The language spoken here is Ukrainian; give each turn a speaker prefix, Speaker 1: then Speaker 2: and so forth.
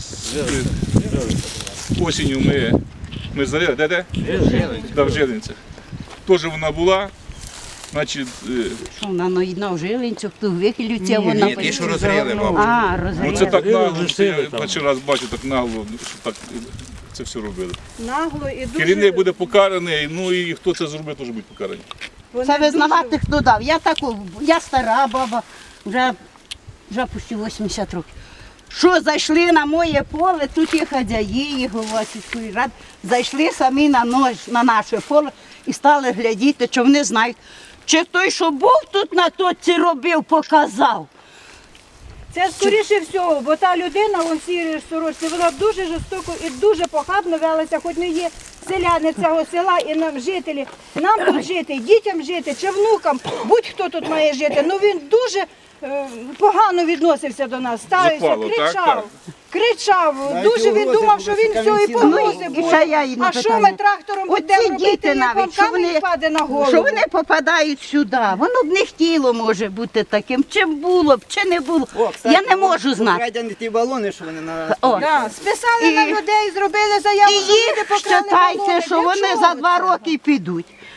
Speaker 1: осінню ми знали, де? В Жилинцях. Теж вона була. Значить,
Speaker 2: Що вона наїдна в Жилинцях, то вихилюється вона.
Speaker 3: Ні, ті, що розрили, мабуть.
Speaker 2: А, розрізали.
Speaker 1: ну це так нагло, що я перший раз бачу, так нагло, що так це все робили.
Speaker 4: Нагло і дуже...
Speaker 1: Керівник буде покараний, ну і хто це зробив, теж буде покараний.
Speaker 4: вони
Speaker 2: Це
Speaker 4: дуже-
Speaker 2: визнавати, хто дав. Я стара баба, вже почти 80 років. Що зайшли на моє поле, тут є хазяї, і голова сільської ради, зайшли самі на наше поле і стали глядіти, чи вони знають, чи той, що був тут на точці робив, показав.
Speaker 4: Це скоріше всього, бо та людина у цій сорочці, вона дуже жорстоко і дуже похабно велася, хоч не є селяни цього села і нам жителі. Нам тут жити, дітям жити чи внукам, будь-хто тут має жити. Ну він дуже погано відносився до нас, ставився,
Speaker 1: Запало, так,
Speaker 4: кричав.
Speaker 1: так.
Speaker 4: Кричав, дуже він думав, що він все і погрози
Speaker 2: Ну, і
Speaker 4: буде.
Speaker 2: ще я її
Speaker 4: А що
Speaker 2: питання.
Speaker 4: ми трактором будемо
Speaker 2: Оці
Speaker 4: робити,
Speaker 2: діти
Speaker 4: як вам
Speaker 2: навіть, що
Speaker 4: камінь
Speaker 2: вони,
Speaker 4: впаде на голову?
Speaker 2: що вони попадають сюди, воно б не хотіло може бути таким, чи було б, чи не було. Я не можу знати.
Speaker 5: Крадені ті балони, що вони на...
Speaker 2: О.
Speaker 4: Да, списали
Speaker 2: І-
Speaker 4: на людей, зробили заяву,
Speaker 2: І
Speaker 4: що люди
Speaker 2: їх
Speaker 4: покрали
Speaker 2: вважайте,
Speaker 4: балони.
Speaker 2: що
Speaker 4: Для
Speaker 2: вони
Speaker 4: чого
Speaker 2: за 2
Speaker 4: це?
Speaker 2: роки підуть.